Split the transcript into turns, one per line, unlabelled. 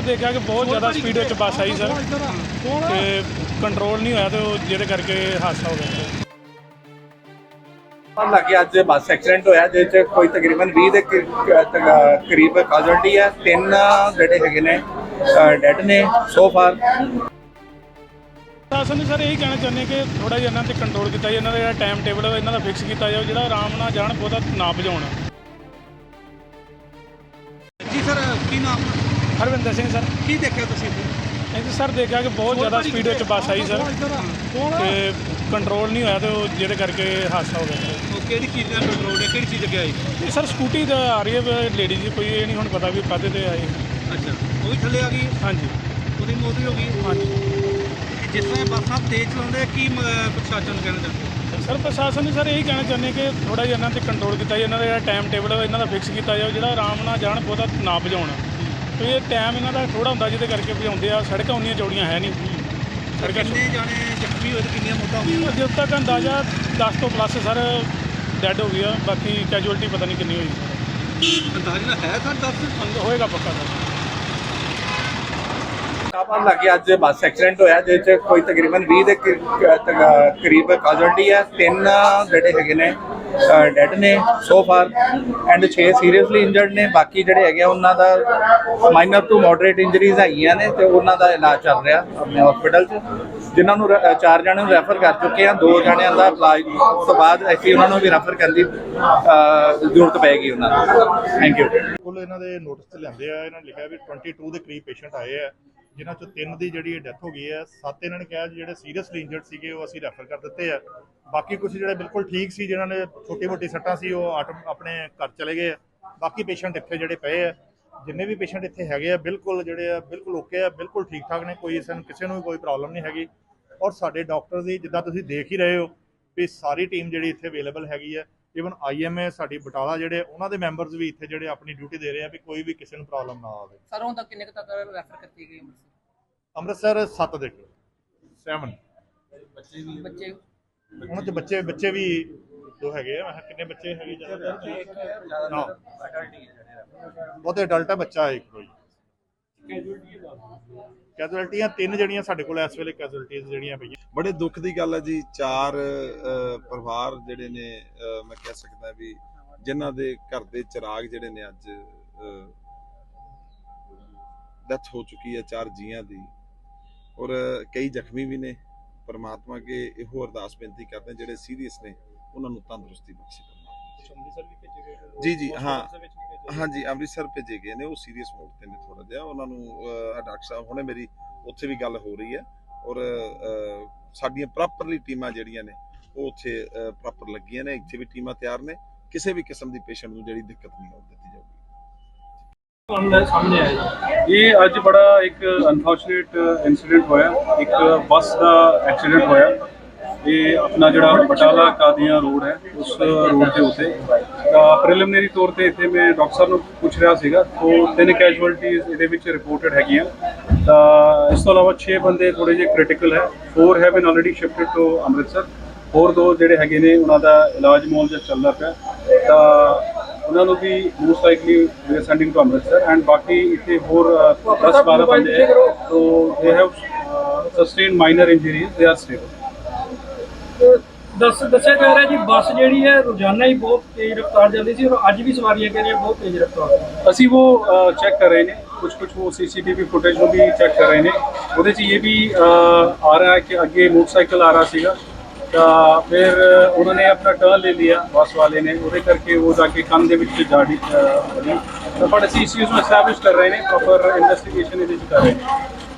देखा कि बहुत ज़्यादा स्पीड में बस आई सर कि कंट्रोल नहीं होया तो जिहदे करके हादसा हो गया।
ਪਤਾ ਲੱਗਿਆ ਅੱਜ ਬੱਸ ਐਕਸੀਡੈਂਟ ਹੋਇਆ ਜਿਹਦੇ 'ਚ ਕੋਈ ਤਕਰੀਬਨ 20 ਦੇ ਕਰੀਬ ਕਾਜ਼ੁਅਲਟੀ ਹੈ। 3 ਜਿਹੜੇ ਹੈਗੇ ਨੇ ਡੈਡ ਨੇ ਸੋ ਫਾਰ।
ਪ੍ਰਸ਼ਾਸਨ ਨੂੰ ਸਰ ਇਹੀ ਕਹਿਣਾ ਚਾਹੁੰਦੇ ਕਿ ਥੋੜ੍ਹਾ ਜਿਹਾ ਇਹਨਾਂ 'ਤੇ ਕੰਟਰੋਲ ਕੀਤਾ ਜਾਏ, ਇਹਨਾਂ ਦਾ ਜਿਹੜਾ ਟਾਈਮ ਟੇਬਲ ਇਹਨਾਂ ਦਾ ਫਿਕਸ ਕੀਤਾ ਜਾਵੇ, ਜਿਹੜਾ ਆਰਾਮ ਨਾਲ ਜਾਣ ਬਹੁਤਾ ਨਾ ਭਜਾਉਣ।
ਜੀ ਸਰ ਕੀ ਨਾਮ?
ਹਰਵਿੰਦਰ ਸਿੰਘ ਸਰ।
ਕੀ ਦੇਖਿਆ ਤੁਸੀਂ ਇੱਥੇ?
ਇਹ ਸਰ ਦੇਖਿਆ ਕਿ ਬਹੁਤ ਜ਼ਿਆਦਾ ਸਪੀਡ ਵਿੱਚ ਬੱਸ ਆਈ ਸਰ ਕਿ ਕੰਟਰੋਲ ਨਹੀਂ ਹੋਇਆ ਤੇ ਜਿਹਦੇ ਕਰਕੇ ਹਾਦਸਾ ਹੋ ਗਿਆ।
ਉਹ ਕਿਹੜੀ ਚੀਜ਼ ਦਾ ਕੰਟਰੋਲ ਹੈ, ਕਿਹੜੀ ਚੀਜ਼ ਅੱਗੇ ਆਈ?
ਇਹ ਸਰ ਸਕੂਟੀ ਦਾ ਆ ਰਹੀ ਹੈ ਲੇਡੀ ਜੀ, ਕੋਈ ਇਹ ਨਹੀਂ ਹੁਣ ਪਤਾ ਵੀ ਕਾਹਦੇ ਤੇ ਆਈ।
ਅੱਛਾ, ਉਹ ਵੀ ਥੱਲੇ ਆ ਗਈ?
ਹਾਂਜੀ,
ਉਹਦੀ ਮੌਤ ਵੀ ਹੋ ਗਈ?
ਹਾਂਜੀ।
ਜਿਸ ਤਰ੍ਹਾਂ ਬੱਸਾਂ ਤੇਜ਼ ਚਲਾਉਂਦੇ ਆ, ਕੀ ਪ੍ਰਸ਼ਾਸਨ ਨੂੰ ਕਹਿਣਾ ਚਾਹੁੰਦੇ?
ਸਰ ਪ੍ਰਸ਼ਾਸਨ ਨੂੰ ਸਰ ਇਹੀ ਕਹਿਣਾ ਚਾਹੁੰਦੇ ਕਿ ਥੋੜ੍ਹਾ ਜਿਹਾ ਇਹਨਾਂ 'ਤੇ ਕੰਟਰੋਲ ਕੀਤਾ ਜਾਏ, ਇਹਨਾਂ ਦਾ ਜਿਹੜਾ ਟਾਈਮ ਟੇਬਲ ਇਹਨਾਂ ਦਾ ਫਿਕਸ ਕੀਤਾ ਜਾਵੇ, ਜਿਹੜਾ ਆਰਾਮ ਨਾਲ ਜਾਣ ਬਹੁਤਾ ਨਾ ਭਜਾਉਣ। ਤੇ ਇਹ ਟਾਈਮ ਇਹਨਾਂ ਦਾ ਥੋੜ੍ਹਾ ਹੁੰਦਾ ਜਿਹਦੇ ਕਰਕੇ ਭਜਾਉਂਦੇ ਆ। ਸੜਕਾਂ ਉਨੀਆਂ ਚੌੜੀਆਂ ਹੈ ਨਹੀਂ।
ਕਿੰਨੇ ਜਾਣੇ ਜ਼ਖਮੀ ਹੋਏ ਤੇ ਕਿੰਨੀਆਂ ਮੌਤਾਂ ਹੋਈਆਂ?
ਜਦੋਂ ਤੱਕ ਅੰਦਾਜ਼ਾ 10 ਤੋਂ ਪਲੱਸ ਸਰ ਡੈਡ ਹੋ ਗਿਆ, ਬਾਕੀ ਕੈਜੂਅਲਟੀ ਪਤਾ ਨਹੀਂ ਕਿੰਨੀ ਹੋਈ।
ਅੰਦਾਜ਼ਾ ਹੈ ਸਰ 10
ਹੋਏਗਾ ਪੱਕਾ ਸਰ।
ਪਤਾ ਲੱਗਿਆ ਅੱਜ ਬੱਸ ਐਕਸੀਡੈਂਟ ਹੋਇਆ ਜਿਹਦੇ 'ਚ ਕੋਈ ਤਕਰੀਬਨ 20 ਦੇ ਕਰੀਬ ਕਾਜ਼ੁਅਲਟੀ ਹੈ। 3 ਜਿਹੜੇ ਹੈਗੇ ਨੇ ਡੈਡ ਨੇ so far and 6 seriously injured ਨੇ। ਬਾਕੀ ਜਿਹੜੇ ਹੈਗੇ ਉਹਨਾਂ ਦਾ ਮਾਈਨਰ ਟੂ ਮੋਡਰੇਟ ਇੰਜਰੀਜ਼ ਹੈਗੀਆਂ ਨੇ ਤੇ ਉਹਨਾਂ ਦਾ ਇਲਾਜ ਚੱਲ ਰਿਹਾ ਆਪਣੇ ਹਸਪੀਟਲ 'ਚ, ਜਿਨ੍ਹਾਂ ਨੂੰ 4 ਜਣਿਆਂ ਨੂੰ ਰੈਫਰ ਕਰ ਚੁੱਕੇ ਆ। 2 ਜਣਿਆਂ ਦਾ ਇਲਾਜ ਤੋਂ ਬਾਅਦ ਅਸੀਂ ਉਹਨਾਂ ਨੂੰ ਵੀ ਰੈਫਰ ਕਰਨ ਦੀ ਜ਼ਰੂਰਤ ਪਏਗੀ ਉਹਨਾਂ ਨੂੰ। Thank you.
ਕੋਲ ਇਹਨਾਂ ਦੇ ਨੋਟਿਸ ਤੇ ਲੈਂਦੇ ਆ, ਇਹਨਾਂ ਨੇ ਲਿਖਿਆ ਵੀ 22 ਦੇ ਕਰੀਬ ਪੇਸ਼ੈਂਟ ਆਏ ਆ, ਜਿਨ੍ਹਾਂ ਚੋਂ 3 ਦੀ ਜਿਹੜੀ ਡੈਥ ਹੋ ਗਈ ਹੈ। 7 ਇਹਨਾਂ ਨੇ ਕਿਹਾ ਜਿਹੜੇ ਸੀਰੀਅਸਲੀ ਇੰਜਰਡ ਸੀਗੇ ਉਹ ਅਸੀਂ ਰੈਫਰ ਕਰ ਦਿੱਤੇ ਆ। ਬਾਕੀ ਕੁਝ ਜਿਹੜੇ ਬਿਲਕੁਲ ਠੀਕ ਸੀ, ਜਿਨ੍ਹਾਂ ਨੇ ਛੋਟੀ ਮੋਟੀ ਸੱਟਾਂ ਸੀ, ਉਹ ਆਪਣੇ ਘਰ ਚਲੇ ਗਏ ਆ। ਬਾਕੀ ਪੇਸ਼ੈਂਟ ਇੱਥੇ ਜਿਹੜੇ ਪਏ ਆ, ਜਿੰਨੇ ਵੀ ਪੇਸ਼ੈਂਟ ਇੱਥੇ ਹੈਗੇ ਆ, ਬਿਲਕੁਲ ਜਿਹੜੇ ਆ ਬਿਲਕੁਲ ਓਕੇ ਆ, ਬਿਲਕੁਲ ਠੀਕ ਠਾਕ ਨੇ। ਕੋਈ ਕਿਸੇ ਨੂੰ ਵੀ ਕੋਈ ਪ੍ਰੋਬਲਮ ਨਹੀਂ ਹੈਗੀ। ਔਰ ਸਾਡੇ ਡਾਕਟਰ ਦੀ ਜਿੱਦਾਂ ਤੁਸੀਂ ਦੇਖ ਹੀ ਰਹੇ ਹੋ ਵੀ ਸਾਰੀ ਟੀਮ ਜਿਹੜੀ ਇੱਥੇ ਅਵੇਲੇਬਲ ਹੈਗੀ ਹੈ। ਈਵਨ IMA ਸਾਡੀ ਬਟਾਲਾ ਜਿਹੜੇ ਉਹਨਾਂ ਦੇ ਮੈਂਬਰਸ ਵੀ ਇੱਥੇ ਜਿਹੜੇ ਆਪਣੀ ਡਿਊਟੀ ਦੇ ਰਹੇ ਆ ਵੀ ਕੋਈ ਵੀ ਕਿਸੇ ਨੂੰ ਪ੍ਰੋਬਲਮ ਨਾ ਆਵੇ।
ਸਰ ਹੁਣ ਤੱਕ ਕਿੰਨੇ ਤੱਕ ਰੈਫਰ ਕੀਤੀ ਗਈ
ਅੰਮ੍ਰਿਤਸਰ 7 ਦੇ 7
ਬੱਚੇ?
ਉਹਨਾਂ ਚ ਬੱਚੇ ਵੀ 2 ਹੈਗੇ ਆ। ਮੈਂ ਕਿਹਾ ਕਿੰਨੇ ਬੱਚੇ ਹੈਗੇ? ਜ਼ਿਆਦਾ ਬਹੁਤੇ ਅਡਲਟ ਹੈ, ਬੱਚਾ ਇੱਕ ਕੋਈ। ਕੈਜੂਅਲਟੀਆਂ 3 ਜਿਹੜੀਆਂ ਸਾਡੇ ਕੋਲ ਇਸ ਵੇਲੇ ਕੈਜੂਅਲਟੀਆਂ ਜਿਹੜੀਆਂ ਪਈਆਂ।
ਬੜੇ ਦੁੱਖ ਦੀ ਗੱਲ ਹੈ ਜੀ। 4 ਪਰਿਵਾਰ ਜਿਹੜੇ ਨੇ ਮੈਂ ਕਹਿ ਸਕਦਾ ਵੀ ਜਿਨ੍ਹਾਂ ਦੇ ਘਰ ਦੇ ਚਿਰਾਗ ਜਿਹੜੇ ਨੇ ਅੱਜ ਡੈਥ ਹੋ ਚੁੱਕੀ ਹੈ 4 ਜੀਆਂ ਦੀ, ਔਰ ਕਈ ਜ਼ਖਮੀ ਵੀ ਨੇ। ਪਰਮਾਤਮਾ ਅੱਗੇ ਇਹੋ ਅਰਦਾਸ ਬੇਨਤੀ ਕਰਦੇ ਹਾਂ ਜਿਹੜੇ ਸੀਰੀਅਸ ਨੇ ਉਹਨਾਂ ਨੂੰ ਤੰਦਰੁਸਤੀ ਬਖਸ਼ੇ। ਜੀ ਹਾਂ ਹਾਂਜੀ, ਅੰਮ੍ਰਿਤਸਰ ਭੇਜੇ ਗਏ ਨੇ। ਉਹ ਸੀਰੀਅਸ ਮੋਡ ਤੇ ਨੇ ਥੋੜਾ ਜਿਹਾ। ਉਹਨਾਂ ਨੂੰ ਡਾਕਟਰ ਸਾਹਿਬ ਹੁਣੇ ਮੇਰੀ ਉੱਥੇ ਵੀ ਗੱਲ ਹੋ ਰਹੀ ਹੈ, ਔਰ ਸਾਡੀਆਂ ਪ੍ਰੋਪਰਲੀ ਟੀਮਾਂ ਜਿਹੜੀਆਂ ਨੇ ਉਹ ਉੱਥੇ ਪ੍ਰੋਪਰ ਲੱਗੀਆਂ ਨੇ। ਇੱਥੇ ਵੀ ਟੀਮਾਂ ਤਿਆਰ ਨੇ। ਕਿਸੇ ਵੀ ਕਿਸਮ ਦੀ ਪੇਸ਼ੈਂਟ ਨੂੰ ਜਿਹੜੀ ਦਿੱਕਤ ਨਹੀਂ ਆਉਣ ਦਿੱਤੀ ਜਾਊਗੀ।
ਸਾਹਮਣੇ ਆਇਆ ਇਹ ਅੱਜ ਬੜਾ ਇੱਕ ਅਨਫੋਰਚੂਨੇਟ ਇਨਸੀਡੈਂਟ ਹੋਇਆ। ਇੱਕ ਬੱਸ ਦਾ ਐਕਸੀਡੈਂਟ ਹੋਇਆ। ਇਹ ਆਪਣਾ ਜਿਹੜਾ ਬਟਾਲਾ ਕਾਦੀਆਂ ਰੋਡ ਹੈ ਉਸ ਰੋਡ ਦੇ ਉੱਤੇ ਤਾਂ ਪ੍ਰੀਲਿਮਿਨਰੀ ਤੌਰ ਤੇ ਇੱਥੇ ਮੈਂ ਡਾਕਟਰ ਸਾਹਿਬ ਨੂੰ ਪੁੱਛ ਰਿਹਾ ਸੀਗਾ ਤਾਂ 3 ਕੈਜੂਅਲਟੀਜ਼ ਇਹਦੇ ਵਿੱਚ ਰਿਪੋਰਟਡ ਹੈਗੀਆਂ। ਤਾਂ ਇਸ ਤੋਂ ਇਲਾਵਾ 6 ਬੰਦੇ ਥੋੜੇ ਜਿਹੇ ਕ੍ਰਿਟੀਕਲ ਹੈ। 4 have been already shifted to Amritsar. ਹੋਰ 2 ਜਿਹੜੇ ਹੈਗੇ ਨੇ ਉਹਨਾਂ ਦਾ ਇਲਾਜ ਮੁਆਵਜ਼ਾ ਚੱਲਦਾ ਪਿਆ। ਤਾਂ ਉਹਨਾਂ ਨੂੰ ਵੀ most likely we are sending to Amritsar and ਬਾਕੀ ਇੱਥੇ ਹੋਰ 10-12 ਬੰਦੇ ਹੈ ਤੋ they have sustain minor injuries, they are stable.
ਦੱਸਿਆ ਜਾ ਰਿਹਾ ਜੀ ਬੱਸ ਜਿਹੜੀ ਹੈ ਰੋਜ਼ਾਨਾ ਹੀ ਬਹੁਤ ਤੇਜ਼ ਰਫ਼ਤਾਰ ਜਾਂਦੀ ਸੀ ਔਰ ਅੱਜ ਵੀ ਸਵਾਰੀਆਂ ਕਹਿ ਰਹੀਆਂ ਬਹੁਤ ਤੇਜ਼ ਰਫ਼ਤਾਰ।
ਅਸੀਂ ਉਹ ਚੈੱਕ ਕਰ ਰਹੇ ਨੇ, कुछ वो CCTV फुटेज को भी चेक कर रहे हैं। वो ये भी आ रहा है कि अगे मोटरसाइकिल आ रहा सीगा तो फिर उन्होंने अपना टर्न ले लिया बस वाले ने, वो करके वो जाके कंन दे विच जा बनी। तो बट असीं इस चीज़ को एस्टैबलिश कर रहे हैं, प्रॉपर इन्वेस्टिगेशन कर रहे हैं।